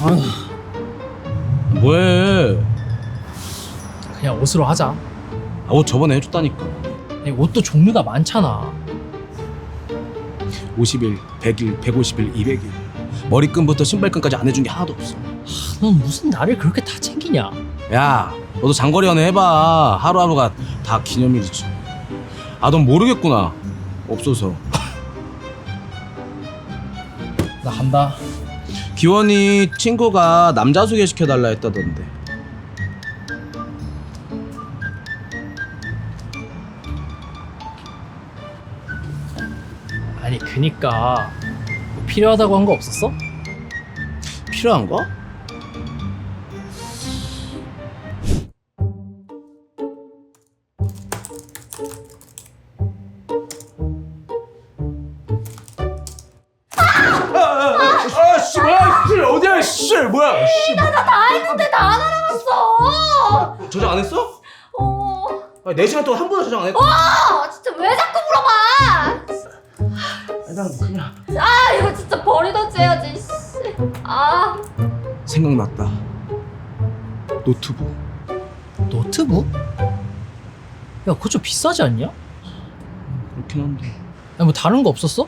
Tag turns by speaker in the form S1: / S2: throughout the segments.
S1: 뭐해?
S2: 그냥 옷으로 하자.
S1: 옷 저번에 해줬다니까.
S2: 아니, 옷도 종류가 많잖아.
S1: 50일, 100일, 150일, 200일. 머리끈부터 신발끈까지 안 해준 게 하나도 없어.
S2: 넌 무슨 나를 그렇게 다 챙기냐?
S1: 야, 너도 장거리 연애 해봐. 하루하루가 다 기념일이지. 넌 모르겠구나. 없어서.
S2: 나 간다.
S1: 기원이 친구가 남자 소개시켜달라 했다던데.
S2: 아니 그니까 뭐 필요하다고 한 거 없었어?
S1: 필요한 거? 씨, 뭐야, 씨, 어디야, 씨, 뭐야, 씨.
S3: 나 다 했는데 다 날아갔어.
S1: 저장 안 했어? 4시간 동안 한 번도 저장 안 했고.
S3: 진짜 왜 자꾸 물어봐?
S1: 난 그냥
S3: 이거 진짜 버리던지 해야지. 씨.
S1: 생각났다. 노트북.
S2: 노트북? 야 그거 좀 비싸지 않냐?
S1: 그렇긴 한데.
S2: 아니 뭐 다른 거 없었어?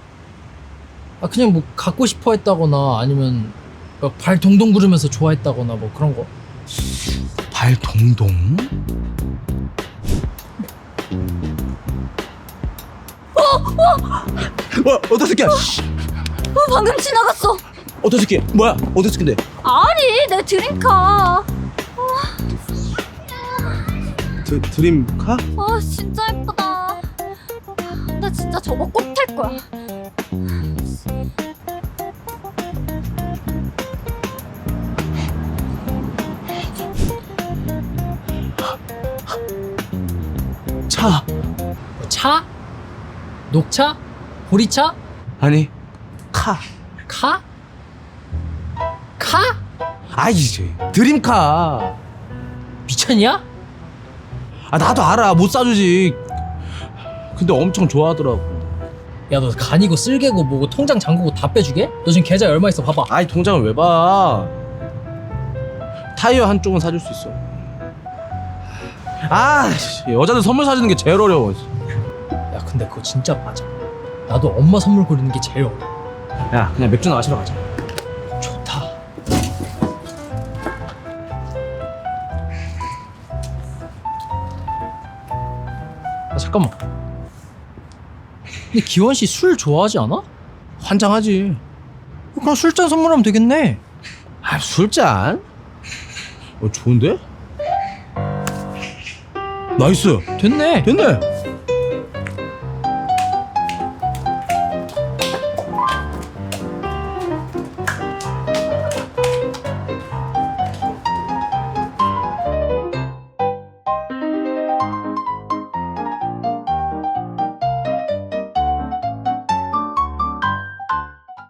S2: 그냥 뭐 갖고 싶어 했다거나 아니면 막 발 동동 구르면서 좋아했다거나 뭐 그런 거.
S1: 발 동동? 어떤 새끼야?
S3: 방금 지나갔어.
S1: 어떤 새끼? 뭐야? 어떤 새끼인데?
S3: 아니 내 드림카.
S1: 드림카?
S3: 진짜 예쁘다. 나 진짜 저거 꼭 탈 거야.
S1: 차.
S2: 차? 녹차? 보리차?
S1: 아니, 카.
S2: 카? 카?
S1: 이제 드림카.
S2: 미쳤냐?
S1: 나도 알아. 못 사주지. 근데 엄청 좋아하더라고.
S2: 야 너 간이고 쓸개고 뭐고 통장 잠그고 다 빼주게? 너 지금 계좌에 얼마 있어 봐봐.
S1: 통장을 왜 봐? 타이어 한쪽은 사줄 수 있어. 여자들 선물 사주는 게 제일 어려워.
S2: 야 근데 그거 진짜 맞아. 나도 엄마 선물 고르는 게 제일 어려워.
S1: 야, 그냥 맥주나 마시러 가자.
S2: 좋다. 잠깐만. 근데 기원 씨 술 좋아하지 않아?
S1: 환장하지.
S2: 그럼 술잔 선물하면 되겠네.
S1: 술잔? 좋은데? 나이스.
S2: 됐네.
S1: 됐네.